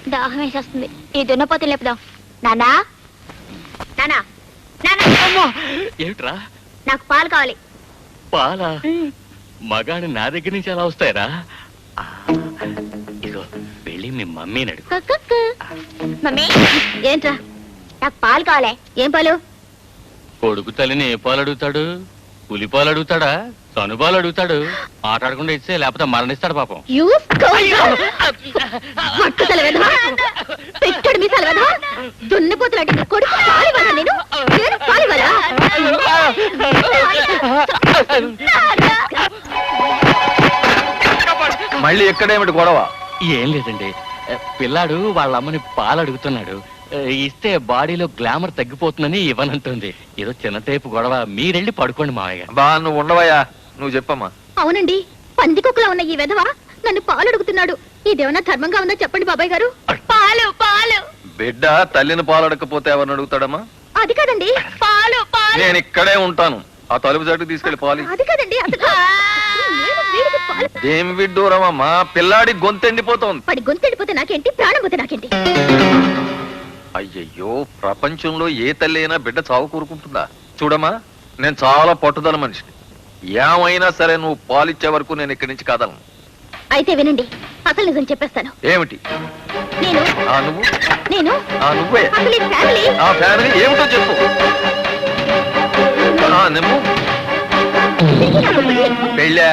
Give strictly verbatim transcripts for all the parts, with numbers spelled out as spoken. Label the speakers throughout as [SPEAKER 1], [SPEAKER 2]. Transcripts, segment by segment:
[SPEAKER 1] దాహం వేసేస్తుంది. ఈ దున్నపోతే లేపుదాం. నానా నానా నానా
[SPEAKER 2] ఏమిట్రా?
[SPEAKER 1] నాకు పాలు కావాలి.
[SPEAKER 2] పాలా? మగాడు నా దగ్గర నుంచి ఎలా వస్తాయరా? ఇగో వెళ్ళి మీ మమ్మీని అడుగు.
[SPEAKER 1] మమ్మీ ఏంట్రా? నాకు పాలు కావాలి. ఏం పాలు?
[SPEAKER 2] కొడుకు తల్లిని ఏ పాలు అడుగుతాడు? పులి పాలు అడుగుతాడా? తను పాలు అడుగుతాడు. ఆటాడకుండా ఇస్తే లేకపోతే మరణిస్తాడు పాపం.
[SPEAKER 1] పెట్టాడు మీసాలు కదా దున్నపోతులాంటి కొడుకు పాలు వల్ల నేను నేను పాలు వల్ల
[SPEAKER 3] మళ్ళీ ఎక్కడేమిటి గొడవ?
[SPEAKER 2] ఏం లేదండి, పిల్లాడు వాళ్ళ అమ్మని పాలు అడుగుతున్నాడు. ఇస్తే బాడీలో గ్లామర్ తగ్గిపోతుందని ఇవ్వనంటుంది. ఏదో చిన్న టైపు గొడవ. మీరెళ్ళి పడుకోండి మావయ్య.
[SPEAKER 3] బా నువ్వు ఉండవయ్యా, నువ్వు చెప్పమ్మా.
[SPEAKER 1] అవునండి, పందికొక్కలా ఉన్న ఈ వెధవ నన్ను పాలు అడుగుతున్నాడు. ఇదేమన్నా ధర్మంగా ఉందా చెప్పండి బాబాయ్ గారు. పాలు పాలు.
[SPEAKER 3] బిడ్డ తల్లిని పాలు అడగకపోతే ఎవరిని అడుగుతాడమ్మా?
[SPEAKER 1] అది కాదండి, పాలు పాలు.
[SPEAKER 3] నేను ఇక్కడే ఉంటాను. ఆ తలుపు చాటుకు తీసుకెళ్లి పాలు.
[SPEAKER 1] అది కాదండి,
[SPEAKER 3] ఏం విడ్డూరమమ్మా, పిల్లాడి గొంతెండిపోతోంది.
[SPEAKER 1] వాడి గొంతెండిపోతే నాకేంటి, ప్రాణం పోతే నాకేంటి?
[SPEAKER 3] అయ్యయ్యో, ప్రపంచంలో ఏ తల్లి అయినా బిడ్డ చావు కూరుకుంటుందా? చూడమ్మా, నేను చాలా పట్టుదల మనిషిని. ఏమైనా సరే నువ్వు పాలిచ్చే వరకు నేను ఇక్కడి నుంచి కదలను.
[SPEAKER 1] అయితే వినండి, అసలు నిజం చెప్పేస్తాను.
[SPEAKER 3] ఏమిటి?
[SPEAKER 1] నేను
[SPEAKER 3] ఆ నువ్వు
[SPEAKER 1] నేను
[SPEAKER 3] ఆ నువ్వే
[SPEAKER 1] అసలు ఈ ఫ్యామిలీ
[SPEAKER 3] ఆ ఫ్యామిలీ ఏమిటో చెప్పు. ఆ నువ్వు పెళ్ళా?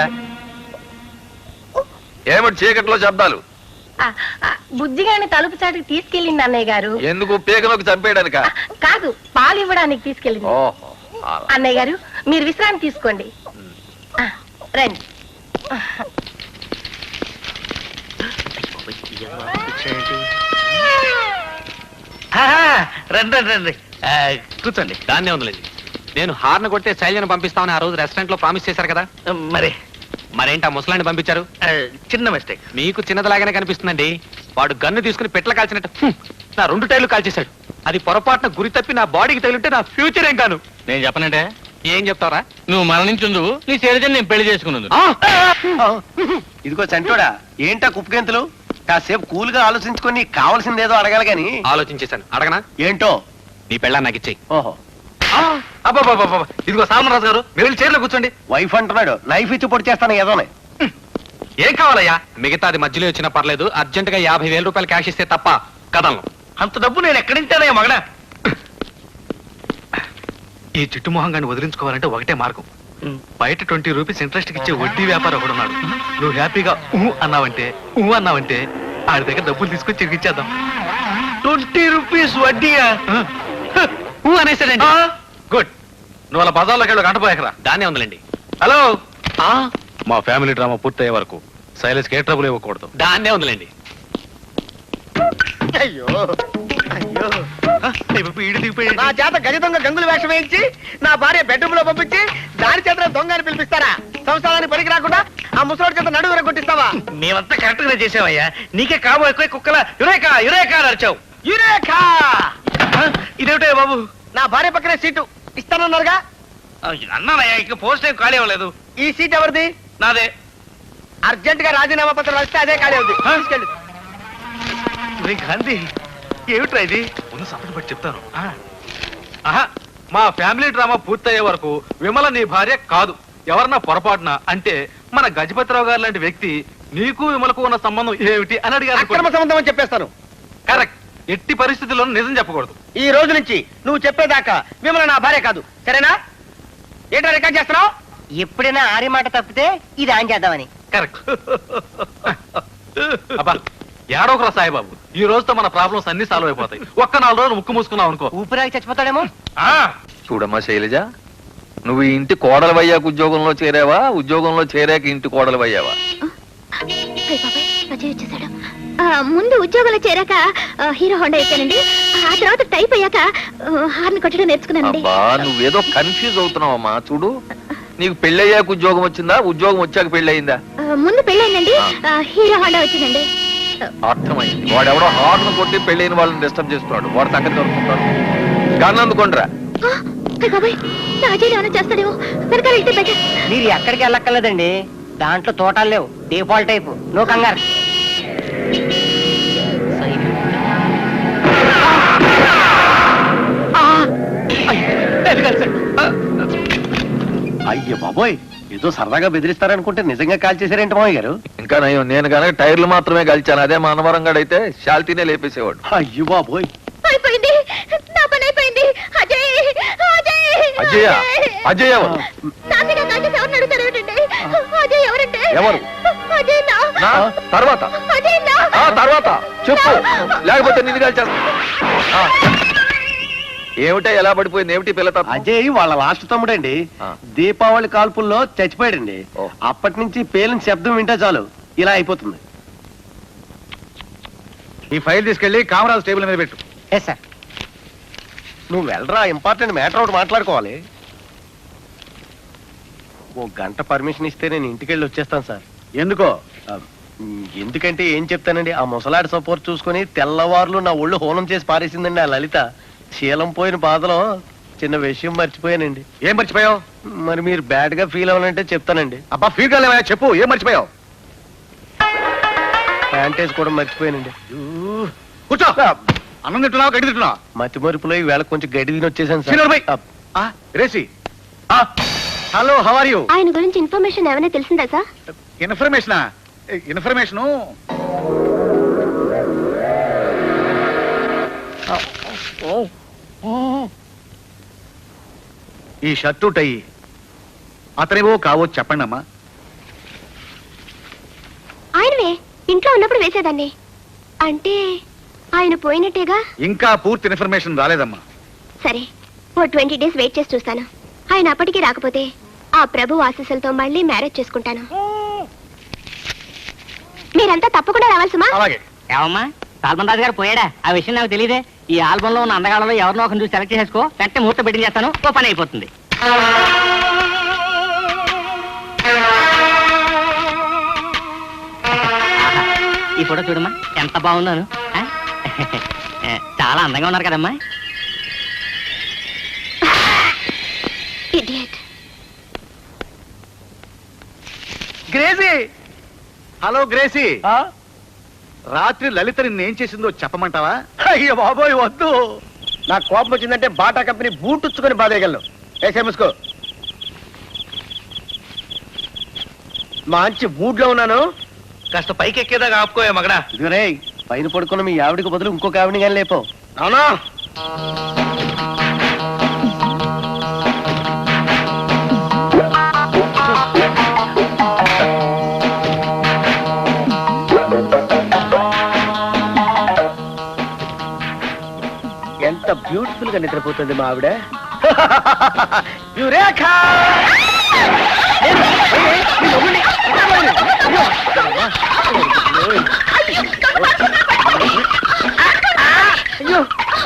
[SPEAKER 3] ఏమిటి చీకట్లో శబ్దాలు?
[SPEAKER 4] బుద్ధిగాని తలుపు చాటుకు తీసుకెళ్ళింది అన్నయ్య గారు.
[SPEAKER 3] ఎందుకు? పేకలోకి చంపేయడానికా?
[SPEAKER 4] కాదు, పాలు ఇవ్వడానికి తీసుకెళ్ళింది.
[SPEAKER 3] ఓహో,
[SPEAKER 4] అన్నయ్య గారు మీరు విశ్రాంతి తీసుకోండి. రండి.
[SPEAKER 2] రండి రండి కూర్చోండి.
[SPEAKER 5] దాన్నే ఉందిలేండి. నేను హార్న్ కొట్టే శైలిని పంపిస్తామని ఆ రోజు రెస్టారెంట్ లో ప్రామిస్ చేశారు కదా,
[SPEAKER 2] మరి
[SPEAKER 5] మరేంటి ఆ ముసలాన్ని పంపించారు?
[SPEAKER 2] చిన్న మిస్టేక్.
[SPEAKER 5] మీకు చిన్నదిలాగానే కనిపిస్తుందండి. వాడు గన్ను తీసుకుని పెట్ల కాల్చినట్టు హ్మ్, నా రెండు టైర్లు కాల్చేశాడు. అది పొరపాటున గురి తప్పి నా బాడీకి తగిలింటే నా ఫ్యూచర్ ఏం కాను.
[SPEAKER 2] నేను చెప్పనంటే
[SPEAKER 5] ఏం చెప్తావరా?
[SPEAKER 2] నువ్వు మరణించుందు, నీ శరీరం నేను పెళ్లి చేసుకున్నందు.
[SPEAKER 6] ఇదిగో చంటోడా, ఏంటా కుప్పగెంతులు? కాసేపు కూల్ గా ఆలోచించుకొని కావాల్సిందేదో అడగాలి గాని.
[SPEAKER 5] ఆలోచించేశాను, అడగనా?
[SPEAKER 6] ఏంటో?
[SPEAKER 5] నీ పెళ్ళా నాకు ఇచ్చేయి.
[SPEAKER 6] ఓహో,
[SPEAKER 5] అబ్బాబాబా, ఇదిగో సామరాజు గారు, మీరు వెళ్ళి చైర్లో కూర్చోండి.
[SPEAKER 6] వైఫ్ అంటున్నాడు, నైఫ్ ఇచ్చి పొడి చేస్తాను ఏదోనే.
[SPEAKER 5] ఏం కావాలయ్యా? మిగతాది మధ్యలో వచ్చినా పర్లేదు, అర్జెంట్ గా యాభై వేల రూపాయలు క్యాష్ ఇస్తే తప్ప కదలను.
[SPEAKER 2] అంత డబ్బు నేను ఎక్కడించానయ్యా మగడా?
[SPEAKER 5] ఈ చిట్టు మొహంగాన్ని వదిలించుకోవాలంటే ఒకటే మార్గం. బయట ట్వంటీ రూపీస్ ఇంట్రెస్ట్ ఇచ్చే వడ్డీ వ్యాపారం ఒకడున్నాడు. నువ్వు హ్యాపీగా ఊ అన్నావంటే ఊ అన్నావంటే ఆడి దగ్గర డబ్బులు తీసుకొని తిరిగిచ్చేద్దాం.
[SPEAKER 2] Twenty rupees వడ్డీయా?
[SPEAKER 5] ఊ అనేసాడండి.
[SPEAKER 2] గుడ్. నువ్వు అలా బజార్లోకి వెళ్ళి గంటపోయాకరా.
[SPEAKER 5] దాన్నే ఉందిలేండి.
[SPEAKER 2] హలో,
[SPEAKER 5] మా ఫ్యామిలీ డ్రామా పూర్తయ్యే వరకు శైలేష్కి ఏ ట్రబుల్ ఇవ్వకూడదు. దాన్నే ఉందిలేండి.
[SPEAKER 6] అయ్యో అయ్యో,
[SPEAKER 2] నా
[SPEAKER 6] చేత గజ దొంగ గంగులు వేషం వేయించి నా భార్య బెడ్రూమ్ లో పంపించి దాని చేత దొంగ అని పిలిపిస్తారా? సంసారానికి పనికి రాకుండా ఆ ముసలోడి చేత నడువు కొట్టిస్తావా?
[SPEAKER 2] మేమంతా కరెక్ట్ గా చేసావయ్యా. నీకే కాబోయే ఎక్కువ కుక్కల యురేకా యురేకా నడిచావు.
[SPEAKER 6] యురేఖా!
[SPEAKER 2] ఇదేమిటే బాబు?
[SPEAKER 6] నా భార్య పక్కనే సీటు ఇస్తానన్నారుగా.
[SPEAKER 2] అన్నానయ్యా, ఇక పోస్ట్ ఏం ఖాళీ అవ్వలేదు.
[SPEAKER 6] ఈ సీట్ ఎవరిది?
[SPEAKER 2] నాదే.
[SPEAKER 6] అర్జెంట్ గా రాజీనామా పత్రం వస్తే అదే ఖాళీ అవుతుంది. తీసుకెళ్ళి.
[SPEAKER 2] గాంధీ, ఏమిట్రా ఇది?
[SPEAKER 5] ముందు సపరేట్ పట్టి చెప్తాను. ఆహా, మా ఫ్యామిలీ డ్రామా పూర్తయ్యే వరకు విమల నీ భార్య కాదు. ఎవరన్నా పొరపాటున అంటే మన గజపతిరావు గారు లాంటి వ్యక్తి నీకు విమలకు ఉన్న సంబంధం ఏమిటి అని అడిగారు.
[SPEAKER 6] అక్రమ సంబంధం అని చెప్పేస్తాను.
[SPEAKER 5] కరెక్ట్. ఎట్టి పరిస్థితుల్లో నిజం చెప్పకూడదు.
[SPEAKER 6] ఈ రోజు నుంచి నువ్వు చెప్పేదాకా విమల నా భార్య కాదు, సరేనా? ఏంటో రికార్డ్ చేస్తున్నావు? ఎప్పుడైనా ఆరి మాట తప్పితే ఇది ఆన్ చేద్దామని.
[SPEAKER 5] కరెక్ట్. అబ్బా ఏడోకరా సాయిబాబు, ఈ రోజుతో మన ప్రాబ్లమ్స్ అన్ని సాల్వ్ అయిపోతాయి. ఒక్క నాలుగు రోజులు ముక్కు మూసుకున్నావు అనుకో,
[SPEAKER 6] ఊపిరాకి చచ్చిపోతాడేమో.
[SPEAKER 3] చూడమ్మా శైలజ, నువ్వు ఈ ఇంటి కోడలు అయ్యాక ఉద్యోగంలో చేరావా, ఉద్యోగంలో చేరాక ఇంటి కోడలు అయ్యావా?
[SPEAKER 1] ముందు ఉద్యోగంలో చేరాక హీరో హోండా ఎక్కానండి. ఆ తర్వాత టైప్ అయ్యాక హార్న్ కొట్టడం నేర్చుకున్నానండి.
[SPEAKER 3] అబ్బా, నువ్వేదో కన్ఫ్యూజ్ అవుతున్నావమ్మా. చూడు, నీకు పెళ్ళయ్యాక ఉద్యోగం వచ్చిందా, ఉద్యోగం వచ్చాక పెళ్లి అయిందా?
[SPEAKER 1] ముందు పెళ్ళయిందండి, హీరో హోండా వచ్చిందండి.
[SPEAKER 3] అర్థమైంది. వాడెవడో హార్న్ కొట్టి పెళ్ళైన వాళ్ళని డిస్టర్బ్ చేస్తున్నాడు. వాడు సంగతి దొరుకుతున్నాడు. గన్ అందుకోండిరా.
[SPEAKER 1] చేస్తాడేమో, వెనకాల వెళ్తే బెటర్.
[SPEAKER 6] మీరు ఎక్కడికి వెళ్ళక్కర్లేదండి, దాంట్లో తోటాలు లేవు. డిఫాల్ట్ టైపు, నో కంగారు.
[SPEAKER 7] అయ్యో బాబోయ్, ఏదో సరదాగా బెదిరిస్తారనుకుంటే నిజంగా కాల్ చేశారేంటి మామయ్య గారు?
[SPEAKER 3] ఇంకా నయం, నేను కనుక టైర్లు మాత్రమే కలిచాను. అదే మా అనవరంగాడైతే శాల్తీనే లేపేసేవాడు.
[SPEAKER 7] అయ్యో బాబోయ్,
[SPEAKER 1] అయిపోయింది, నా పని అయిపోయింది. అజయ్, అజయ్,
[SPEAKER 3] అజయ్, అజయ్ ఎవరు?
[SPEAKER 1] నాన్నగా కాల్చేసి ఎవరిని అడుగుతారు ఏమిటండి? అజయ్ ఎవరంటే?
[SPEAKER 3] ఎవరు?
[SPEAKER 1] అజయ్ నా
[SPEAKER 3] నా తర్వాత
[SPEAKER 1] అజయ్ నా
[SPEAKER 3] ఆ తర్వాత చెప్పు, లేకపోతే నిన్ను కలిచేస్తా. ఆ. ఏమిటా ఎలా పడిపోయింది? ఏమిటి పిల్ల తప్ప?
[SPEAKER 7] అజయ్ వాళ్ళ లాస్ట్ తమ్ముడండి.
[SPEAKER 3] ఆ.
[SPEAKER 7] దీపావళి కాల్పుల్లో చచ్చిపోయాడండి.
[SPEAKER 3] ఓ.
[SPEAKER 7] అప్పటి నుంచి పేలిన శబ్దం వింటే చాలు ఇలా అయిపోతుంది.
[SPEAKER 5] ఈ ఫైల్ తీసుకెళ్లి కామరాజ్ టేబుల్ మీద పెట్టు.
[SPEAKER 6] సార్.
[SPEAKER 7] నువ్వు వెళ్ళరా, ఇంపార్టెంట్ మ్యాటర్ ఒకటి మాట్లాడుకోవాలి. ఓ గంట పర్మిషన్ ఇస్తే నేను ఇంటికి వెళ్ళి వచ్చేస్తాను సార్.
[SPEAKER 5] ఎందుకో?
[SPEAKER 7] ఆ, ఎందుకంటే ఏం చెప్తానండి, ఆ ముసలాడి సపోర్ట్ చూసుకొని తెల్లవారులు నా ఒళ్ళు హోనం చేసి పారేసిందండి ఆ లలిత. శీలం పోయిన బాధలో చిన్న విషయం మర్చిపోయానండి.
[SPEAKER 5] ఏం మర్చిపోయావు?
[SPEAKER 7] మరి మీరు బ్యాడ్ గా ఫీల్ అవ్వాలంటే చెప్తానండి.
[SPEAKER 5] అబ్బా ఫీల్ కాలేవా? చెప్పు, ఏం మర్చిపోయావు?
[SPEAKER 7] ప్యాంటేజ్ కూడా మర్చిపోయానండి.
[SPEAKER 5] కూర్చో. అన్నం తింటున్నావు, గడ్డి తింటున్నావు?
[SPEAKER 7] మతి మరుపులో ఈవేళ కొంచెం గడ్డి తిని వచ్చేసాను
[SPEAKER 5] శ్రీధర్ భాయ్.
[SPEAKER 7] సార్.
[SPEAKER 5] ఆ, రేసి. Hello, how are you?
[SPEAKER 1] ఆయన గురించి ఇన్ఫర్మేషన్ ఏమైనా తెలిసిందా సార్?
[SPEAKER 5] ఇన్ఫర్మేషనా? ఇన్ఫర్మేషను ఈ షర్టు టై అతనివో కావో చెప్పండి అమ్మా.
[SPEAKER 1] ఆయనవే, ఇంట్లో ఉన్నప్పుడు వేసేదాన్ని. అంటే ఆయన పోయినట్టేగా?
[SPEAKER 5] ఇంకా పూర్తి ఇన్ఫర్మేషన్ రాలేదమ్మా.
[SPEAKER 1] సరే, ఓ ట్వంటీ డేస్ వెయిట్ చేసి చూస్తాను. ఆయన అప్పటికి రాకపోతే ఆ ప్రభు ఆశీస్సులతో మళ్ళీ మ్యారేజ్ చేసుకుంటాను. మీరంతా తప్పకుండా రావాలి సుమా.
[SPEAKER 5] అలాగే.
[SPEAKER 8] ఏమమ్మా, సాల్మన్ రాజు గారు పోయాడా? ఆ విషయం నాకు తెలియదే. ఈ ఆల్బమ్ లో ఉన్న అందగాళ్ళలో ఎవరినో ఒకరిని చూసి సెలెక్ట్ చేసుకో, వెంటనే ముహూర్తం పెట్టింగ్ చేస్తాను, ఓ పని అయిపోతుంది. ఈ ఫోటో చూడమ్మా, ఎంత బాగుందోను. ఆ? చాలా అందంగా ఉన్నారు కదమ్మా.
[SPEAKER 1] Idiot.
[SPEAKER 5] గ్రేసీ. Hello Gracie. రాత్రి లలిత నిన్ను ఏం చేసిందో చెప్పమంటావా?
[SPEAKER 7] అయ్యో బాబోయ్ వద్దు. నాకు కోపం వచ్చిందంటే బాటా కంపెనీ బూటుచ్చుకొని బాధేయగలను. ఏసే ముసుకో. మంచి మూడ్ లో ఉన్నాను.
[SPEAKER 5] కాస్త పైకి ఎక్కేదాకా ఆపుకోయా మగడా.
[SPEAKER 7] ఇదిగోరే, పైన పడుకున్న మీ ఆవిడికి బదులు ఇంకొక ఆవిడని కానీ లేపో.
[SPEAKER 5] అవునా?
[SPEAKER 7] ఎంత బ్యూటిఫుల్ గా నిద్రపోతుంది మా ఆవిడ. యురేఖా! అయ్యో,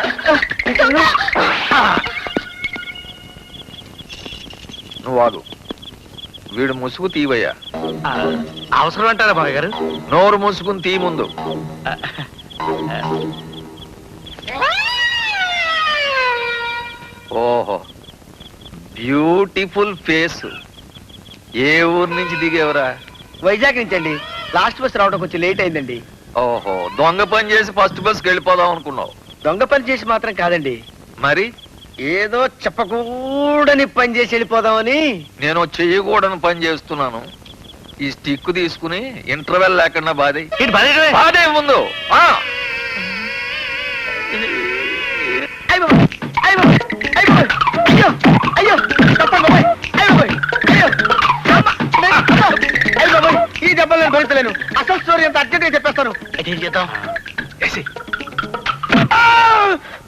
[SPEAKER 3] నువ్వు వాగు. వీడు ముసుగు తీవయ్యా.
[SPEAKER 5] అవసరం అంటారా బాబు గారు?
[SPEAKER 3] నోరు మూసుకుని తీ ముందు. ఓహో, బ్యూటిఫుల్ ఫేస్. ఏ ఊరు నుంచి దిగేవరా?
[SPEAKER 6] వైజాగ్ నుంచి అండి. లాస్ట్ బస్ రావడం కొంచెం లేట్ అయిందండి.
[SPEAKER 3] ఓహో, దొంగ పని చేసి ఫస్ట్ బస్కి వెళ్ళిపోదాం అనుకున్నావు.
[SPEAKER 6] దొంగ పని చేసి మాత్రం కాదండి,
[SPEAKER 3] మరి
[SPEAKER 6] ఏదో చెప్పకూడని పని చేసి వెళ్ళిపోదామని.
[SPEAKER 3] నేను చెయ్యకూడని పని చేస్తున్నాను. ఈ స్టిక్ తీసుకుని ఇంటర్వెల్ లేకుండా బాధే బాధే ముందు. ఆ
[SPEAKER 6] అయ్యో అయ్యో అయ్యో అయ్యో అయ్యో తప్పండి బాబాయ్. అయ్యో బాబాయ్, అయ్యో అమ్మ, నేను అమ్మ. అయ్యో బాబాయ్, ఈ దెబ్బలు నేను భరించలేను. అసలు స్టోరీ అంత అర్జెంట్ గా చెప్పేస్తాను.
[SPEAKER 5] ఏం చేద్దాం?
[SPEAKER 6] ఆ!